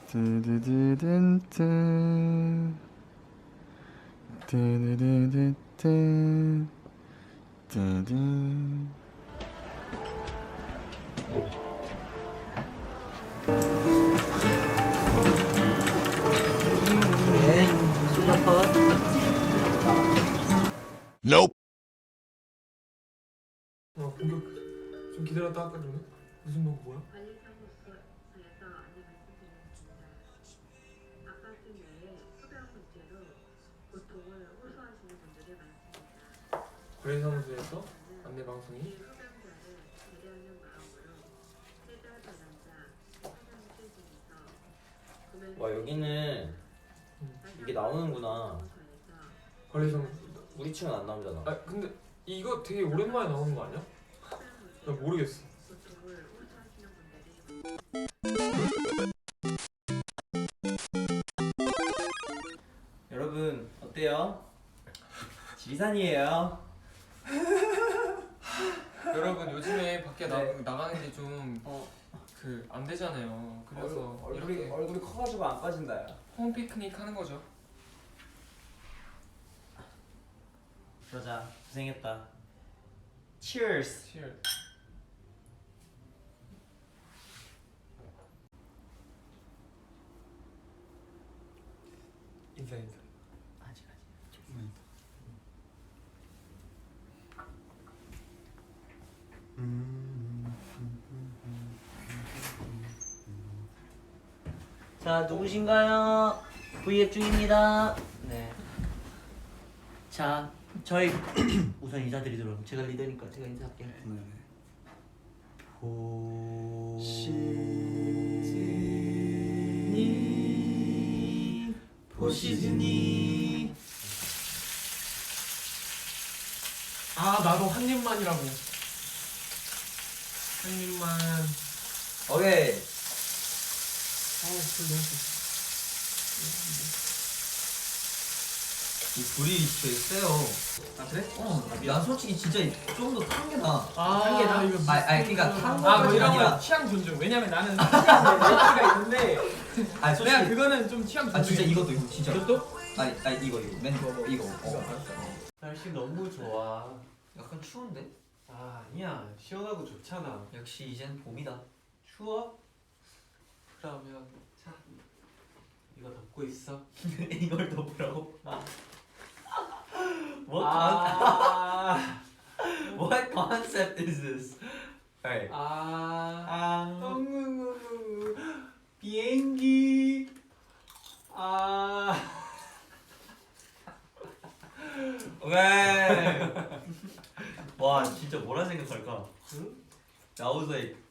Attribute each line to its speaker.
Speaker 1: 뚜두두둔뚜 뚜두두두뚜 뚜두.
Speaker 2: 네, 수저컷.
Speaker 3: Nope.
Speaker 4: 공격 좀 기다렸다 할까 그러면? 무슨 거 뭐야?
Speaker 5: 관리사무소에서 안내 말씀드리겠습니다. 아파트 내에 소변 문제로 고통을 호소하시는 분들이 많습니다.
Speaker 4: 관리사무소에서 안내 방송이
Speaker 5: 이 소변자를 배려하는 마음으로 세자 전환자 화장실 등에서
Speaker 2: 와, 여기는 이게 나오는구나.
Speaker 4: 관리사무소.
Speaker 2: 우리 층은 안 나오잖아.
Speaker 4: 아 근데 이거 되게 오랜만에 나오는 거 아니야? 나 모르겠어.
Speaker 5: 고통을 호소하시는 분들이
Speaker 2: 여러분 어때요? 지리산이에요.
Speaker 4: 여러분 요즘에 밖에
Speaker 2: 네.
Speaker 4: 나가는 게 좀 안 되잖아요. 그래서 이렇게
Speaker 2: 얼굴이 커가지고 안 빠진다. 야.
Speaker 4: 홈 피크닉 하는 거죠.
Speaker 2: 그러자. 고생했다. Cheers.
Speaker 4: Cheers. 인사.
Speaker 2: 아직. 자, 누구신가요? V앱 중입니다. 네. 자, 저희 우선 인사드리도록. 제가 리더니까 제가 인사할게요. 보시즈니.
Speaker 4: 아 나도 한 입만이라고. 한 입만.
Speaker 2: 오케이.
Speaker 4: 불 너무 세.
Speaker 2: 이 불이 되게 세요. 아 그래? 난 솔직히 진짜 좀 더 탄 게 나아.
Speaker 4: 탄 게 나아? 이거
Speaker 2: 그러니까 탄
Speaker 4: 뭐
Speaker 2: 거까지가
Speaker 4: 이런
Speaker 2: 아니라.
Speaker 4: 건 취향 존중. 왜냐면 나는 취향가 있는데
Speaker 2: 아니 솔직히.
Speaker 4: 내가 그거는 좀 취향 존중.
Speaker 2: 아 진짜 이것도 진짜.
Speaker 4: 이것도?
Speaker 2: 아니 이거 맨 이거.
Speaker 6: 날씨 너무 좋아.
Speaker 2: 약간 추운데?
Speaker 6: 아 아니야, 시원하고 좋잖아.
Speaker 2: 역시 이젠 봄이다.
Speaker 6: 추워? 그러면 자 이거 덮고 있어.
Speaker 2: 이걸 덮으라고?
Speaker 6: 아,
Speaker 2: What concept is this? Alright.
Speaker 6: 비행기.
Speaker 2: 오케이. 와 진짜 뭐라 생각할까?
Speaker 6: 응?
Speaker 2: I was like